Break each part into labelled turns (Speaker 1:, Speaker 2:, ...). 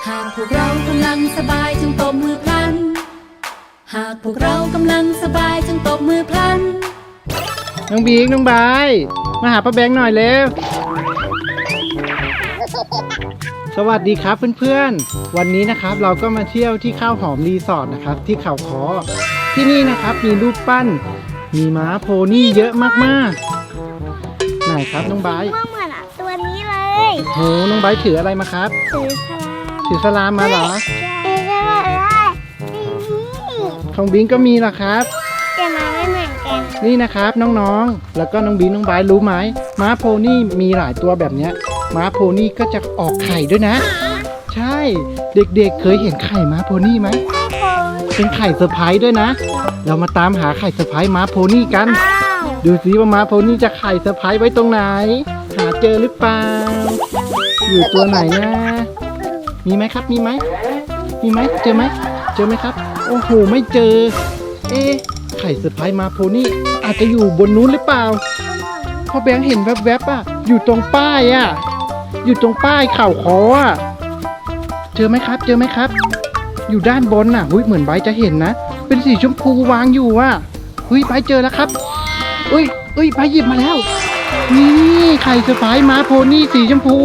Speaker 1: หากพวกเรากำลังสบายจงตบมือพลันหากพวกเรากำลังสบายจงตบมือพลัน
Speaker 2: น้องบิงน้องบายมาหาป้าแบงค์หน่อยเร็วสวัสดีครับเพื่อนๆวันนี้นะครับเราก็มาเที่ยวที่ข้าวหอมรีสอร์ทนะครับที่เขาค้อที่นี่นะครับมีรูปปั้นมีม้าโพนี่เยอะมากๆไหนครับน้องบาย
Speaker 3: เหมือนตัวนี้เลย
Speaker 2: โหน้องบายถืออะไรมาครับถือสลามมาเหรอของบิงก็มีเหรอครับ
Speaker 3: แต่มาไม่เหมือนกัน
Speaker 2: นี่นะครับน้องๆแล้วก็น้องบิงน้องบายรู้ไหมม้าโพนี่มีหลายตัวแบบเนี้ยม้าโพนี่ก็จะออกไข่ด้วยนะใช่เด็กๆเคยเห็นไข่ม้าโพนี่ไหมเป็นไข่เซอร์ไพรส์ด้วยนะเรามาตามหาไข่เซอร์ไพรส์ม้าโพนี่กันดูสิว่าม้าโพนี่จะไข่เซอร์ไพรส์ไว้ตรงไหนหาเจอหรือเปล่าอยู่ตัวไหนนะมีไหมครับมีไหมเจอไหมครับโอ้โหไม่เจอไข่เซอร์ไพรส์ม้าโพนี่อาจจะอยู่บนนู้นหรือเปล่าพ่อแบงค์เห็นแวบๆอ่ะอยู่ตรงป้ายอ่ะอยู่ตรงป้ายเข่าคออ่ะเจอไหมครับอยู่ด้านบนน่ะเหมือนใบจะเห็นนะเป็นสีชมพูวางอยู่อ่ะใบเจอแล้วครับใบหยิบมาแล้วนี่ไข่เซอร์ไพรส์ม้าโพนี่สีชมพู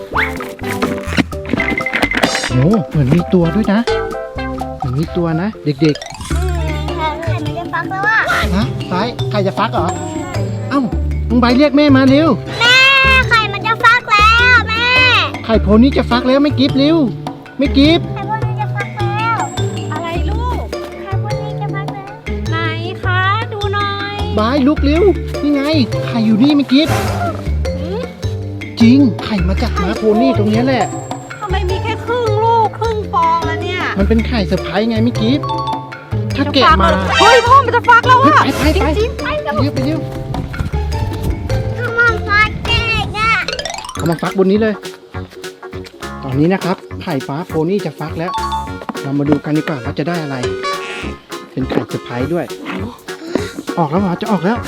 Speaker 2: โอ้เหมือนมีตัวด้วยนะเหมือนมีตัวนะเด็กๆ
Speaker 3: ไข่มันจะฟักแล้วอ่ะ
Speaker 2: ฮะไบไข่จะฟักเหรอเอ้ามึงใบเรียกแม่มาเร็ว
Speaker 3: แม่ไข่มันจะฟักแล้วแม่
Speaker 2: ไข่โพนี่จะฟักแล้วไม่กิฟเร็วไม่กิฟ
Speaker 3: ไข่พวกนี้จะฟักแล้ว
Speaker 1: อะไรลูก
Speaker 3: ไข่พวกนี้จะฟักแล้ว
Speaker 1: ไหนคะดูหน่อย
Speaker 2: บายลุกเร็วนี่ไงไข่อยู่นี่ไม่กิฟจริงไข่มาจากม้าโพนี่ตรงนี้แหละ
Speaker 1: ทำไมมีแค่ครึ่งลูกครึ่งฟองแล้วเนี่ย
Speaker 2: มันเป็นไข่เซอร์ไพรส์ไงไม่กิฟถ้าแกะมา
Speaker 1: เฮ้ยพ่อมันจะฟักแล้วอะ
Speaker 2: ไปเร็ว
Speaker 3: เอามาฟักเด็กอ่ะ
Speaker 2: เอามาฟักบนนี้เลยตอนนี้นะครับไข่ฟ้าโพนี่จะฟักแล้วเรามาดูกันดีกว่าว่าจะได้อะไรเป็นไข่เซอร์ไพรส์ด้วยออกแล้วเหรอจะออกแล้ว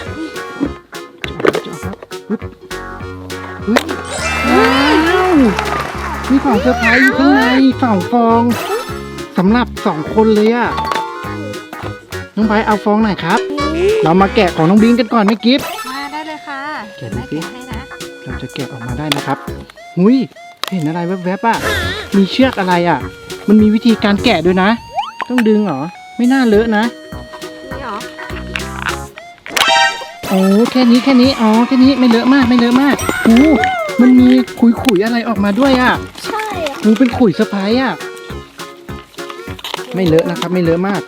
Speaker 2: ว้าวมีของเซอร์ไพรส์อยู่ข้างใน2 ฟองสำหรับ2 คนเลยอะน้องไบร์ทเอาฟองไหนครับเรามาแกะของน้องบิงกันก่อนไหมกิฟต์
Speaker 1: มาได้เลยค่ะ
Speaker 2: แกะดูสิ
Speaker 1: ให้นะ
Speaker 2: เราจะแกะออกมาได้นะครับเห็นอะไรแวบๆอ่ะมีเชือกอะไรอ่ะมันมีวิธีการแกะด้วยนะต้องดึงเหรอไม่น่าเลอะนะ
Speaker 1: นี่หรอ
Speaker 2: โอ้แค่นี้อ๋อแค่นี้ไม่เลอะมากมันมีขุยอะไรออกมาด้วยอ่ะ
Speaker 3: ใช่
Speaker 2: เป็นขุยเซอร์ไพรส์อ่ะไม่เลอะนะครับไม่เลอะมาก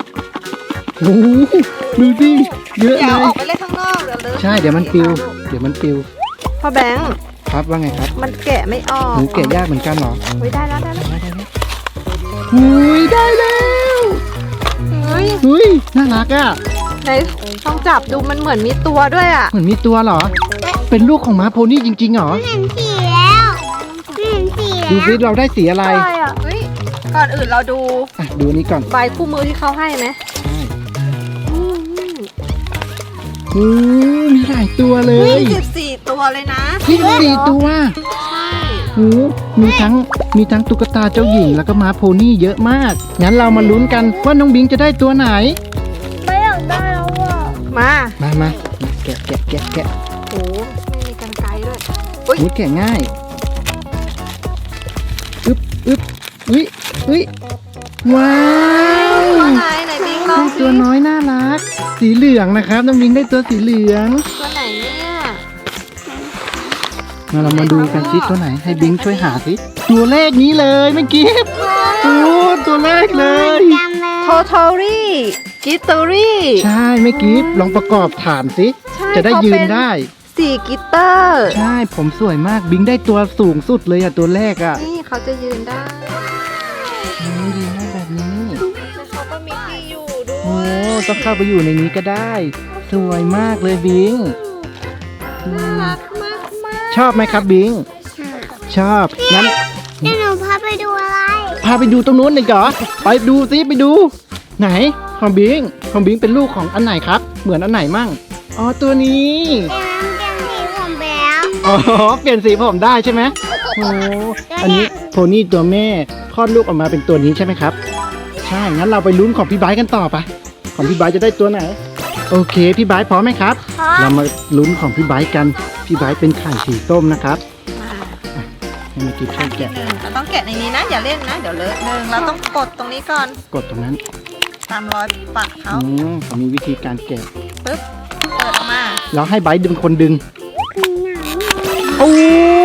Speaker 2: ดูดิเยอะเลย
Speaker 1: อย่าออกไปเลยข้างนอกเดี๋ยวเลอะ
Speaker 2: ใช่เดี๋ยวมันปิว
Speaker 1: พ่อแบงค์
Speaker 2: ครับว่าไงครับ
Speaker 1: มันแกะไม่ออก
Speaker 2: แกะยากเหมือนกันเหรอ
Speaker 1: ได้แล้ว
Speaker 2: ได้แล้วน่ารักอ่ะ
Speaker 1: ไหนลองจับดูมันเหมือนมีตัวด้วยอ่ะ
Speaker 2: เหมือนมีตัวเหรอเป็นลูกของม้าโพนี่จริงๆเหรอ
Speaker 3: เห็นสีแล้ว
Speaker 2: ดูสิเราได้สีอะไร
Speaker 1: ก่อนอื่นเราดู
Speaker 2: นี้ก่อน
Speaker 1: ใบคู่มือที่เขาให้ไหม
Speaker 2: มีหลายตัวเลย
Speaker 1: 24 ตัวเลยนะ
Speaker 2: 24 ตัว
Speaker 1: ใช่
Speaker 2: มีทั้งตุ๊กตาเจ้าหญิงแล้วก็ม้าโพนี่เยอะมากงั้นเรามาลุ้นกันว่าน้องบิงจะได้ตัวไหน
Speaker 3: ไม่อยากได้แล้วอ่ะ
Speaker 2: มาแกะ
Speaker 1: โอ้ไม่มีกรรไกรด้วย
Speaker 2: แกะง่ายว้าว
Speaker 1: ไหนบิงลอง
Speaker 2: ตัวน้อยน่ารักสีเหลืองนะครับน้องบิงได้ตัวสีเหลือง
Speaker 1: ตัวไหนเนี่ย
Speaker 2: เรามาดูกันซิตัวไหนให้บิงช่วยหาสิตัวเลขนี้เลยไม่กิฟตัวเลขเลย
Speaker 1: โททอรี่กิตเตอรี่
Speaker 2: ใช่ไม่กิฟลองประกอบฐานสิจะได้ยืนได้
Speaker 1: 4 กิตเตอร์
Speaker 2: ใช่ผมสวยมากบิงได้ตัวสูงสุดเลยตัวแรก
Speaker 1: นี่เขาจะยืนได้
Speaker 2: ยืนได้แบบนี้
Speaker 1: เขาก็มีที่อยู่ด้วย
Speaker 2: ต้องเข้าไปอยู่ในนี้ก็ได้สวยมากเลยบิง
Speaker 1: น่ารักมาก
Speaker 2: ชอบไหมครับบิงชอบงั้น
Speaker 3: หนูพาไปดูอะไร
Speaker 2: พาไปดูตรงนู้นเลยเหรอไปดูสิไปดูไหนของบิงเป็นลูกของอันไหนครับเหมือนอันไหนมั่งตัวนี้
Speaker 3: เปลี่ยนสีผมแล้ว
Speaker 2: เปลี่ยนสีผมได้ใช่ไหมอันนี้โพนี่ตัวแม่โพคลอดลูกออกมาเป็นตัวนี้ใช่ไหมครับใช่งั้นเราไปลุ้นของพี่ไบร์ทกันต่อไปของพี่ไบร์ทจะได้ตัวไหนโอเคพี่ไบร์ทพร้อมไหมครับเรามาลุ้นของพี่ไบร์ทกันพี่ไบร์ทเป็นไข่สีส้มนะครับให้มากินช่วยแกะ
Speaker 4: เราต้องแกะในนี้นะอย่าเล่นนะเดี๋ยวเลอะเราต้องกดตรงนี้ก่อน
Speaker 2: กดตรงนั้น
Speaker 4: ตามรอยปากเขา
Speaker 2: เขามีวิธีการแกะ
Speaker 4: ปึ๊บเปิดออกมา
Speaker 2: แล้วให้ไบร์ทเป็นคนดึงโอ้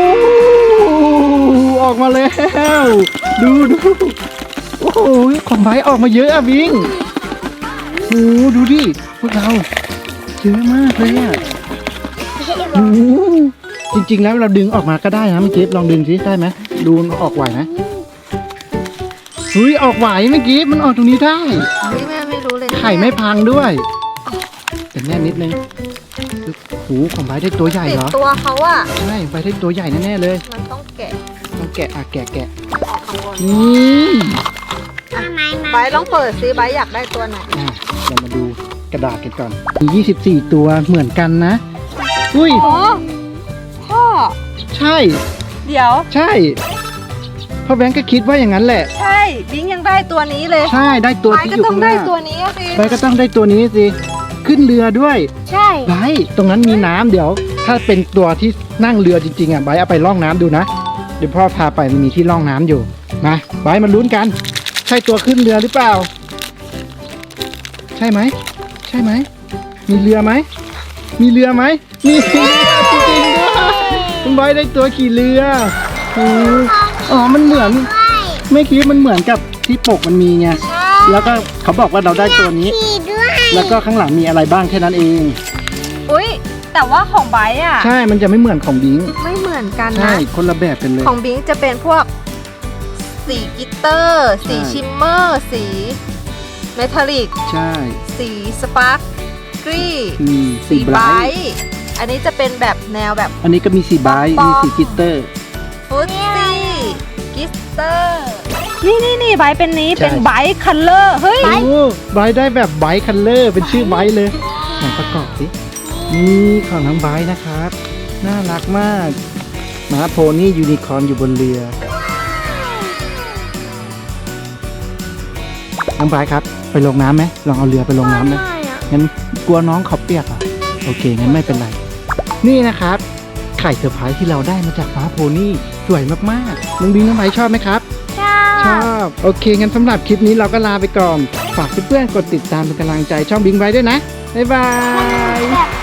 Speaker 2: ออกมาแล้วดูโอ้โหของไบร์ทออกมาเยอะอะบิงโอ้ดูดิพวกเราเยอะมากเลยอะโอ้จริงๆแล้วเราดึงออกมาก็ได้นะเมื่อกี้ลองดึงสิได้ไหมดูออกไหวไหมเฮ้ยออกไหวเมื่อกี้มันออกตรงนี้ได้
Speaker 4: เฮ้ยแม่ไม่รู้เลย
Speaker 2: ไข่ไม่พังด้วยแต่แน่นิดนึงหูของไบร์ทได้ตัวใหญ่
Speaker 4: ติด
Speaker 2: เหรอ
Speaker 4: ตัวเขาอะ
Speaker 2: ใช่ไบร์ทได้ตัวใหญ่แน่ๆเลย
Speaker 4: มันต้องแกะ
Speaker 2: ต้องแกะแกะ
Speaker 4: ออกข้างบน
Speaker 2: นี่
Speaker 4: ไบร์ทลองเปิดซิไบร์ทอยากได้ตัวไหน
Speaker 2: เรามาดูกระดาษกันก่อนมี24ตัวเหมือนกันนะอุ้ย
Speaker 4: โอ้พ่อ
Speaker 2: ใช่
Speaker 4: เดี๋ยว
Speaker 2: ใช่พ่อแบงค์ก็คิดว่าอย่างนั้นแหละ
Speaker 4: ใช่บิงยังได้ตัวนี้เลย
Speaker 2: ใช่ได้ตัว
Speaker 4: ไบร์ท
Speaker 2: ที่
Speaker 4: ก็
Speaker 2: อยู่
Speaker 4: ต้อ
Speaker 2: ข้าง งห
Speaker 4: ได้
Speaker 2: น้า
Speaker 4: ตัวนี้อะสิ
Speaker 2: ไบร์ทก็ต้องได้ตัวนี้สิขึ้นเรือด้วย
Speaker 3: ใช่
Speaker 2: ไบร์ทตรงนั้นมีน้ำเดี๋ยว ถ้าเป็นตัวที่นั่งเรือจริงๆอ่ะไบร์ทเอาไปล่องน้ำดูนะเดี๋ยวพ่อพาไปมันมีที่ล่องน้ำอยู่มาไบร์ทมาลุ้นกัน ใช่ตัวขึ้นเรือหรือเปล่า ใช่ไหมใช่ไหมมีเรือไหมมีเรือไหมมีเรือจริงๆด้วยคุณไบร์ทได้ตัวขี่เรืออ๋อมันเหมือนไม่คิดมันเหมือนกับที่ปกมันมีไงแล้วก็เขาบอกว่าเราได้ตัวนี้
Speaker 3: ขี่ด้วย
Speaker 2: แล้วก็ข้างหลังมีอะไรบ้างแค่นั้นเอง
Speaker 4: อุ้ยแต่ว่าของไบร์ทอะ
Speaker 2: ใช่มันจะไม่เหมือนของบิง
Speaker 4: ไม่เหมือนกัน
Speaker 2: ใช่
Speaker 4: นะ
Speaker 2: คนละแบบกันเลย
Speaker 4: ของบิงจะเป็นพวกสีกลิตเตอร์ สี
Speaker 2: ใช่
Speaker 4: ชิมเมอร์ สีเมทัลลิก
Speaker 2: ใช่
Speaker 4: สีสปาร์กกรี
Speaker 2: สีไบร
Speaker 4: ไบร
Speaker 2: ท์
Speaker 4: ท์อันนี้จะเป็นแบบแนวแบบ
Speaker 2: อันนี้ก็มีสีไบรท์
Speaker 4: ปอมๆ
Speaker 2: มีสีกลิตเตอร์
Speaker 4: ฟุตซี่กิสเตอร์นี่ไบรท์เป็นนี้
Speaker 2: ใช่
Speaker 4: เป็นไบรท์คัลเลอร์เฮ้ย
Speaker 2: โอ้ไบรท์ได้แบบไบรท์คัลเลอร์เป็นชื่อไบรท์เลยไหนประกอบสินี่ของน้องไบรท์นะครับ น่ารักมากม้าโพนี่ยูนิคอร์นอยู่บนเรือน้องไบรท์ครับไปลงน้ำไหมลองเอาเรือไปลงน้ำไหมงั้นกลัวน้องเขาเปียกอ่ะโอเคงั้นไม่เป็นไร นี่นะครับไข่เซอร์ไพรส์ที่เราได้มาจากม้าโพนี่สวยมากๆน้องบิงน้องไบรท์ชอบไหมครับ ชอบโอเคงั้นสำหรับคลิปนี้เราก็ลาไปก่อนฝากเพื่อนๆกดติดตามเป็นกำลังใจช่องบิงไว้ด้วยนะบ๊ายบาย
Speaker 3: แบบ